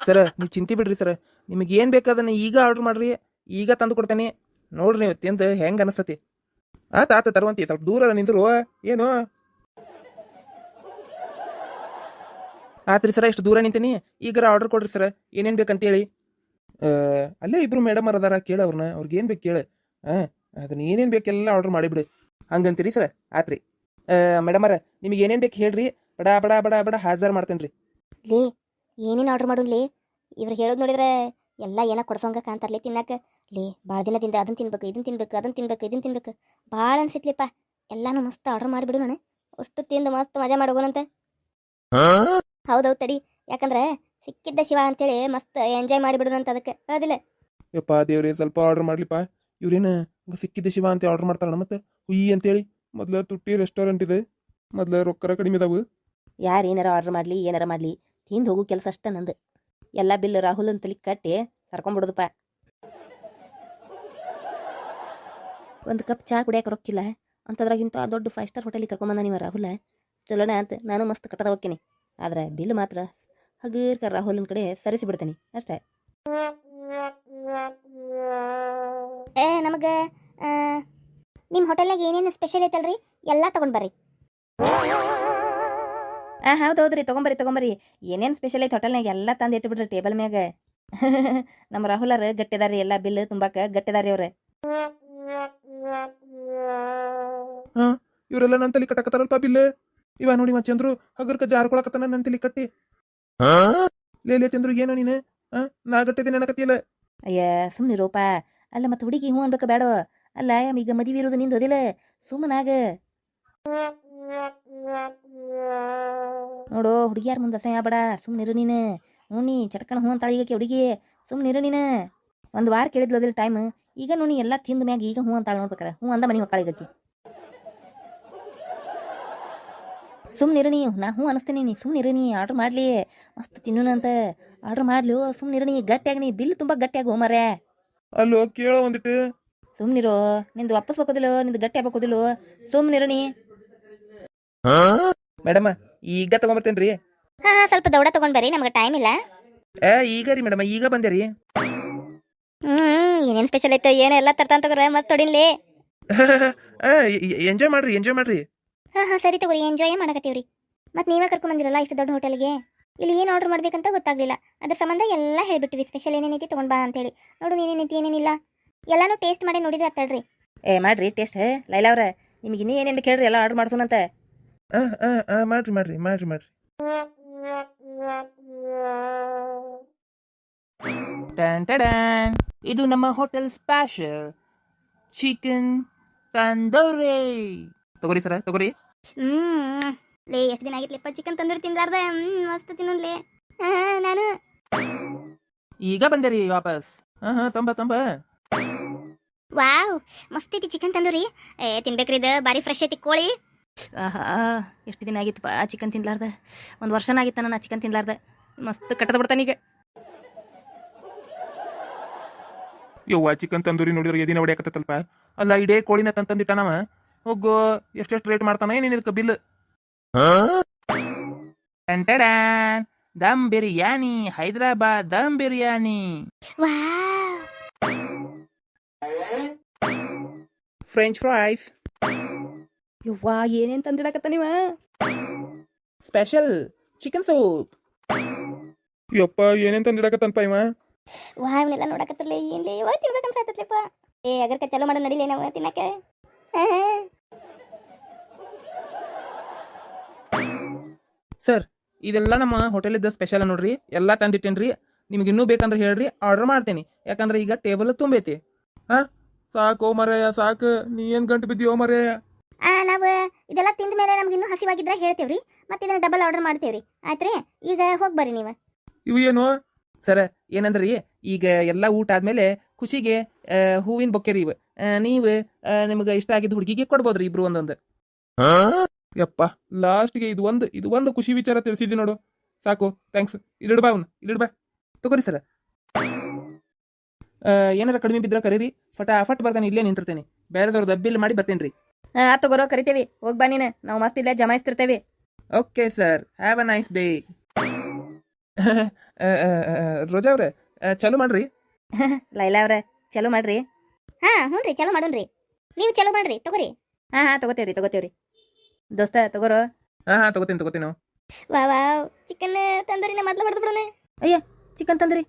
Sir ನೀವು ಚಿಂತೆ ಬಿಡ್ರಿ ಸರ್, ನಿಮಗೆ ಏನು ಬೇಕಾದನ್ನ ಈಗ ಆರ್ಡ್ರ್ ಮಾಡ್ರಿ, ಈಗ ತಂದು ಕೊಡ್ತೇನೆ. ನೋಡ್ರಿ ನೀವು ತಿಂದು ಹೆಂಗೆ ಅನಿಸ್ತತಿ. ಆತ ತರುವಂತಿ, ಸ್ವಲ್ಪ ದೂರ ನಿಂದ್ರು ಏನು. ಆತ್ರಿ ಸರ, ಇಷ್ಟು ದೂರ ನಿಂತೀನಿ, ಈಗಾರ ಆರ್ಡರ್ ಕೊಡ್ರಿ ಸರ್, ಏನೇನು ಬೇಕಂತೇಳಿ. ಅಲ್ಲೇ ಇಬ್ರು ಮೇಡಮ್ ಅದಾರ, ಕೇಳ ಅವ್ರನ್ನ, ಅವ್ರಿಗೆ ಏನು ಬೇಕು ಕೇಳ. ಅದನ್ನ ಏನೇನು ಬೇಕೆಲ್ಲ ಆರ್ಡರ್ ಮಾಡಿಬಿಡಿ ಹಂಗಂತೀರಿ ಸರ್. ಆತ್ರಿ ಮೇಡಮರ, ನಿಮಗೆ ಏನೇನು ಬೇಕು ಹೇಳ್ರಿ, ಬಡ ಬಡ ಬಡ ಬಡ ಹಾಜರ್ ಮಾಡ್ತೇನೆ ರೀ. ಲೇ ಏನೇನು ಆರ್ಡ್ರ್ ಮಾಡೋನ್ಲಿ, ಇವ್ರು ಹೇಳೋದು ನೋಡಿದ್ರೆ ಎಲ್ಲ ಏನೋ ಕೊಡ್ಸೋಂಗ ಕಾಣ್ತಾರಲಿ ತಿನ್ನಕ್ಕೆ. ಲೇ ಭಾಳ ದಿನದಿಂದ ಅದನ್ನು ತಿನ್ಬೇಕು, ಇದನ್ನು ತಿನ್ಬೇಕು, ಅದನ್ನು ತಿನ್ಬೇಕು, ಇದನ್ನು ತಿನ್ಬೇಕು ಭಾಳ ಅನ್ಸಿತ್ಲಿಪ್ಪ. ಎಲ್ಲಾನು ಮಸ್ತ್ ಆರ್ಡ್ರ್ ಮಾಡಿಬಿಡು ನಾನು, ಅಷ್ಟು ತಿಂದು ಮಸ್ತ್ ಮಜಾ ಮಾಡೋಗೋಣಂತೆ. ಹೌದೌದು ತಡಿ, ಯಾಕಂದ್ರೆ ಸಿಕ್ಕಿದ್ದ ಶಿವ ಅಂತೇಳಿ ಮಸ್ತ್ ಎಂಜಾಯ್ ಮಾಡಿಬಿಡೋಣಂತ, ಅದಕ್ಕೆ ಹೌದಿಲ್ಲ. ಯಪ್ಪ ದೇವ್ರಿ, ಸ್ವಲ್ಪ ಆರ್ಡರ್ ಮಾಡ್ಲಿಪ್ಪ. ಇವ್ರೇನು ಸಿಕ್ಕಿದ್ದ ಶಿವ ಅಂತ ಆರ್ಡರ್ ಮಾಡ್ತಾರಣ, ಮತ್ತೆ ಹುಯಿ ಅಂತೇಳಿ. ಮೊದ್ಲು ತುಟ್ಟಿ ರೆಸ್ಟೋರೆಂಟ್ ಇದೆ, ಮೊದ್ಲು ರೊಕ್ಕರ ಕಡಿಮೆ ಇದಾವು. ಯಾರು ಏನಾರ ಆರ್ಡ್ರ್ ಮಾಡಲಿ ಏನಾರ ಮಾಡಲಿ ತಿಂದು ಹೋಗೋ ಕೆಲಸ ಅಷ್ಟ ನಂದು. ಎಲ್ಲ ಬಿಲ್ ರಾಹುಲ್ ಅಂತಲಿ ಕಟ್ಟಿ ಕರ್ಕೊಂಬಿಡೋದಪ್ಪ. ಒಂದು ಕಪ್ ಚಹಾ ಕುಡಿಯೋಕೆ ರೊಕ್ಕಿಲ್ಲ ಅಂಥದ್ರಾಗಿಂತ ದೊಡ್ಡ 5 ಸ್ಟಾರ್ ಹೋಟೆಲಿಗೆ ಕರ್ಕೊಂಬಂದ ನೀವು ರಾಹುಲ. ಚಲೋಣ ಅಂತ ನಾನು ಮಸ್ತ್ ಕಟ್ಟದ ಹೋಗ್ತೀನಿ, ಆದ್ರೆ ಬಿಲ್ ಮಾತ್ರ ಹಗೀರ್ಕ ರಾಹುಲನ ಕಡೆ ಸರಿಸಿ ಬಿಡ್ತೀನಿ ಅಷ್ಟೇ. ನಮಗೆ ನಿಮ್ಮ ಹೋಟೆಲ್ನಾಗ ಏನೇನು ಸ್ಪೆಷಲ್ ಐತಲ್ರಿ ಎಲ್ಲ ತೊಗೊಂಡು ಬರ್ರಿ. ಹೌದೌದ್ರಿ, ತೊಗೊಂಬರ್ರಿ. ಏನೇನು ಸ್ಪೆಷಲ್ ಐತೆ ಹೋಟೆಲ್ನಾಗ ಎಲ್ಲ ತಂದು ಇಟ್ಬಿಡ್ರಿ ಟೇಬಲ್ ಮ್ಯಾಗ. ನಮ್ಮ ರಾಹುಲರು ಗಟ್ಟಿದಾರಿ, ಎಲ್ಲ ಬಿಲ್ ತುಂಬಾಕ ಗಟ್ಟಿದಾರಿ ಅವ್ರೆ. ಇವರೆಲ್ಲ ನನ್ನ ತಲೆ ಕಟ್ಟಕತ್ತಾರಲ್ಪ ಬಿಲ್. ಇವ ನೋಡಿ ಚಂದ್ರು ಹಗರ್ಕ ಜಾರ್ಕೊಳಕತ್ತಾನ ನನ್ನ ತಲೆ ಕಟ್ಟಿ. ಲೇ ಚಂದ್ರು, ಏನೋ ನೀನು ನಾ ಗಟ್ಟಿದ್ದೀನಿ ಅನ್ನಕತ್ತಿಯಲ್ಲ. ಅಯ್ಯ ಸುಮ್ಮನಿರೋಪ. ಅಲ್ಲ ಮತ್ತೆ ಹುಡುಗಿ ಹ್ಞೂ ಅನ್ಬೇಕ ಬೇಡ. ಅಲ್ಲ ಈಗ ಮದುವೆ ಇರೋದು ನಿಂದು ಅದಿಲ್ಲ, ಸುಮ್ಮನಾಗ ನೋಡು. ಹುಡುಗಿಯಾರ ಮುಂದೆ ಅಸಹ್ಯ ಬೇಡ, ಸುಮ್ಮನಿರು ನೀನು. ನೋನಿ ಚಟ್ಕನ ಹ್ಞೂ ಅಂತಾಳ ಈಗಕ್ಕೆ ಹುಡುಗಿ, ಸುಮ್ಮನಿರು ನೀನು. ಒಂದು ವಾರ ಕೇಳಿದ್ಲು ಅದಿಲ್ಲ ಟೈಮ್, ಈಗ ನೋಡಿ ಎಲ್ಲ ತಿಂದ ಮ್ಯಾಗ ಈಗ ಹ್ಞೂ ಅಂತಾಳ ನೋಡ್ಬೇಕಾರ. ಹ್ಞೂ ಅಂದ ಮನೆ ಮಕ್ಕಳ ಈಗಕ್ಕೆ. ಸುಮ್ಮನಿರು ನೀ, ನಾ ಹ್ಞೂ ಅನಿಸ್ತೀನಿ, ನೀ ಸುಮ್ಮನಿರು. ನೀ ಆರ್ಡ್ರ್ ಮಾಡಲಿ, ಮಸ್ತ್ ತಿನ್ನೋಣಂತ ಆರ್ಡ್ರ್ ಮಾಡ್ಲು. ಸುಮ್ಮನಿರು ನೀ, ಗಟ್ಟಿಯಾಗಿ ನೀ ಬಿಲ್ ತುಂಬ ಗಟ್ಟಿಯಾಗಿ ಹೋಮರೇ. ಅಲ್ಲೋ ಕೇಳೋ ಒಂದಿಟ್ಟು. ಸುಮ್ಮನಿರು, ನಿಂದು ವಾಪಸ್ ಬೇಕೋದಿಲ್ಲ, ನಿಂದು ಗಟ್ಟಿ ಆಗ್ಬೇಕೋದಿಲ್ಲ, ಸುಮ್ಮನಿರು ನೀ. ಮೇಡಮ್ ಈಗ ತಗೊಂಬರ್ತೇನ್ರಿ. ಹಾಂ ಸ್ವಲ್ಪ ದೌಡ ತೊಗೊಂಡು ಬರ್ರಿ, ನಮಗೆ ಟೈಮ್ ಇಲ್ಲ. ಈಗ ರೀ ಮೇಡಮ್, ಈಗ ಬಂದೆ ರೀ. ಏನೇನು ಸ್ಪೆಷಲ್ ಐತೆ ಏನೆಲ್ಲ ತರ್ತಾನ ತಗೋರ, ಮಸ್ತ್ ತೊಡಿನ್ಲಿ. ಎಂಜಾಯ್ ಮಾಡ್ರಿ. ಹಾಂ ಸರಿ ತಗೋರಿ, ಎಂಜಾಯೇ ಮಾಡಕತ್ತೀವ್ರಿ. ಮತ್ತು ನೀವೇ ಕರ್ಕೊಂಬಂದಿರಲ್ಲ ಇಷ್ಟು ದೊಡ್ಡ ಹೋಟೆಲ್ಗೆ, ಇಲ್ಲಿ ಏನು ಆರ್ಡ್ರ್ ಮಾಡ್ಬೇಕಂತ ಗೊತ್ತಾಗಲಿಲ್ಲ. ಅದ್ರ ಸಂಬಂಧ ಎಲ್ಲ ಹೇಳ್ಬಿಟ್ಟಿವಿ, ಸ್ಪೆಷಲ್ ಏನೇನೈತಿ ತೊಗೊಂಡು ಬಾ ಅಂತೇಳಿ. ನೋಡು ನೀನೇನೈತಿ ಏನೇನಿಲ್ಲ ಎಲ್ಲಾನು ಟೇಸ್ಟ್ ಮಾಡಿ ನೋಡಿದ್ರೆ ಆಗ್ತಾಳ್ರಿ. ಮಾಡ್ರಿ ಟೇಸ್ಟ್. ಲೈಲಾ ಅವ್ರ, ನಿಮಗೆ ಇನ್ನೂ ಏನೇನು ಕೇಳ್ರಿ, ಎಲ್ಲ ಆರ್ಡ್ರ್ ಮಾಡ್ಸೋಣಂತ. ಮಾಡ್ರಿ. ಇದು ನಮ್ಮ ಹೋಟೆಲ್ ಸ್ಪೆಷಲ್ ಚಿಕನ್ ತಂದೂರಿ. ತಗೋರಿ ಸರ, ತಗೋರಿ. ಲೇ ಎಷ್ಟು ದಿನ ಆಗಿತ್ಲಿಪ್ಪ ಚಿಕನ್ ತಂದೂರಿ ತಿನ್ಲಾರ್ದ. ಮಸ್ತ್ ತಿನ್ನೋನ್ಲೇ. ನಾನು ಈಗ ಬಂದೆ ರೀ ವಾಪಸ್. ತಂಬ. ವಾವ್, ಮಸ್ತ್ ಐತಿ ಚಿಕನ್ ತಂದೂರಿ. ತಿನ್ಬೇಕ್ರಿ, ಇದು ಬಾರಿ ಫ್ರೆಶ್ ಐತಿ ಕೋಳಿ. ಎಷ್ಟು ದಿನ ಆಗಿತ್ತಪ್ಪ ಚಿಕನ್ ತಿನ್ಲಾರ್ದ. ಒಂದು ವರ್ಷನ ಆಗಿತ್ತ ನಾನು ಚಿಕನ್ ತಿನ್ಲಾರ್ದ. ಮಸ್ತ್ ಕಟ್ಟದ ಬಿಡ್ತಾನೆ ಈಗ. ಯವ್ವ, ಚಿಕನ್ ತಂದೂರಿ ನೋಡಿದ್ರೆ ಎದಿನ ಹೊಡಿಯಾಕತ್ತಲ್ಪ. ಅಲ್ಲ ಇಡೇ ಕೋಳಿನ ತಂದಿಟ್ಟಾನವ. ಹೋಗೋ, ಎಷ್ಟೆಷ್ಟು ರೇಟ್ ಮಾಡ್ತಾನ ಏನೇನು ಇದಕ್ಕೆ bill. Dum biryani, Hyderabad dum biryani, French fries. ಯವ್ವಾ, ಏನೇನು ತಂದಿಡಕತ್ತ ನೀವ. Special chicken soup. ಯಪ್ಪ, ಏನೇನು ತಂದಿಡಕತ್ತನ್ಪ ಇವ. ಇವನ್ನೆಲ್ಲ ನೋಡಕತ್ತಿರ್ಲಿ, ಏನ್ಲಿ ಇವಾಗ ತಿನ್ಬೇಕನ್ಸತ್ತಪ್ಪ. ಅಗರ್ಕ ಚಲೋ ಮಾಡೋ ನಡಿಲೇ ನಾವು ತಿನ್ನಕ್ಕೆ. ಸರ್, ಇದೆಲ್ಲ ನಮ್ಮ ಹೋಟೆಲಿದ್ದ ಸ್ಪೆಷಲ್ ನೋಡ್ರಿ, ಎಲ್ಲ ತಂದಿಟ್ಟೇನ್ರಿ. ನಿಮ್ಗೆ ಇನ್ನೂ ಬೇಕಂದ್ರೆ ಹೇಳ್ರಿ, ಆರ್ಡರ್ ಮಾಡ್ತೇನೆ. ಯಾಕಂದ್ರೆ ಈಗ ಟೇಬಲ್ ತುಂಬೈತಿ. ಸಾಕು ಮರೆಯ, ಸಾಕು. ನೀ ಏನ್ ಗಂಟು ಬಿದ್ದೀವೋ ಮರೆಯ. ನಾವು ಇದೆಲ್ಲ ತಿಂದ ಮೇಲೆ ನಮ್ಗೆ ಇನ್ನೂ ಹಸಿವಾಗಿದ್ರೆ ಹೇಳ್ತೇವ್ರಿ, ಮತ್ತೆ ಇದನ್ನ ಡಬಲ್ ಆರ್ಡರ್ ಮಾಡ್ತೇವ್ರಿ. ಆಯ್ತ್ರಿ, ಈಗ ಹೋಗಿ ಬರ್ರಿ ನೀವು. ಇವು ಏನು ಸರ್, ಏನಂದ್ರಿ, ಈಗ ಎಲ್ಲ ಊಟ ಆದ್ಮೇಲೆ ಖುಷಿಗೆ ಹೂವಿನ ಬೊಕ್ಕೆ ರೀ ಇವು. ನೀವು ನಿಮ್ಗೆ ಇಷ್ಟ ಆಗಿದ್ದು ಹುಡುಗಿಗೆ ಕೊಡ್ಬೋದ್ರಿ, ಇಬ್ರು ಒಂದೊಂದು. ಯಪ್ಪ, ಲಾಸ್ಟ್ಗೆ ಇದು ಒಂದು ಖುಷಿ ವಿಚಾರ ತಿಳಿಸಿದ್ವಿ ನೋಡು. ಸಾಕು, ಥ್ಯಾಂಕ್ಸ್. ಇಲ್ಲಿಡ್ಬಾ ಅವನು, ಇಲ್ಲಿಡ್ಬಾ. ತಗೋರಿ ಸರ್. ಏನಾರ ಕಡಿಮೆ ಬಿದ್ರೆ ಕರೀರಿ, ಫಟ್ ಬರ್ತಾನೆ, ಇಲ್ಲೇ ನಿಂತಿರ್ತೇನೆ. ಬೇರೆದವ್ರದ್ದು ಬಿಲ್ ಮಾಡಿ ಬರ್ತೇನೆ ರೀ. ತಗೋರೋ, ಕರಿತೇವಿ. ಹೋಗ್ಬಾ ನೀನು, ನಾವು ಮಸ್ತ್ ಇಲ್ಲೇ ಜಮಾಯಿಸ್ತಿರ್ತೇವೆ. Okay sir, have a nice day. Roja ಅವ್ರೆ ಚಾಲು ಮಾಡ್ರಿ. ಲೈಲಾ ಅವ್ರೆ ಚಲೋ ಮಾಡ್ರಿ. ಹಾ ಹ್ಞೂ ರೀ ಚಲೋ ಮಾಡೋಣ್ರಿ. ನೀವು ಚಲೋ ಮಾಡ್ರಿ ತಗೋರಿ. ಹಾಂ ತಗೋತೇವ್ರಿ ದೋಸ್ತ ತಗೋರೋ. ಹಾ ತಗೋತೀನಿ ನಾವು. ವಾ ವಾವ್ ಚಿಕನ್ ತಂದೂರಿನ ಮೊದಲು ಹೊಡೆದು ಬಿಡೋಣ. ಅಯ್ಯ ಚಿಕನ್ ತಂದ್ರಿ.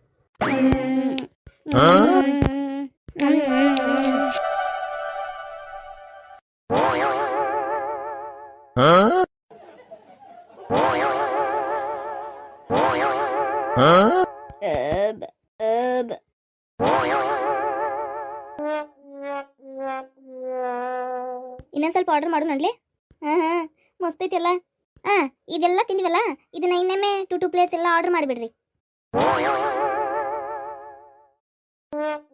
ಇನ್ನೊಂದು ಸ್ವಲ್ಪ ಆರ್ಡರ್ ಮಾಡು ನಡ್ಲೆ. ಹಾಂ ಮಸ್ತ್ ಐತಿ ಎಲ್ಲ. ಇದೆಲ್ಲ ತಿಂದಿವಲ್ಲ, ಇದನ್ನ ಇನ್ನೊಮ್ಮೆ 2 ಪ್ಲೇಟ್ಸ್ ಎಲ್ಲ ಆರ್ಡರ್ ಮಾಡಿಬಿಡ್ರಿ.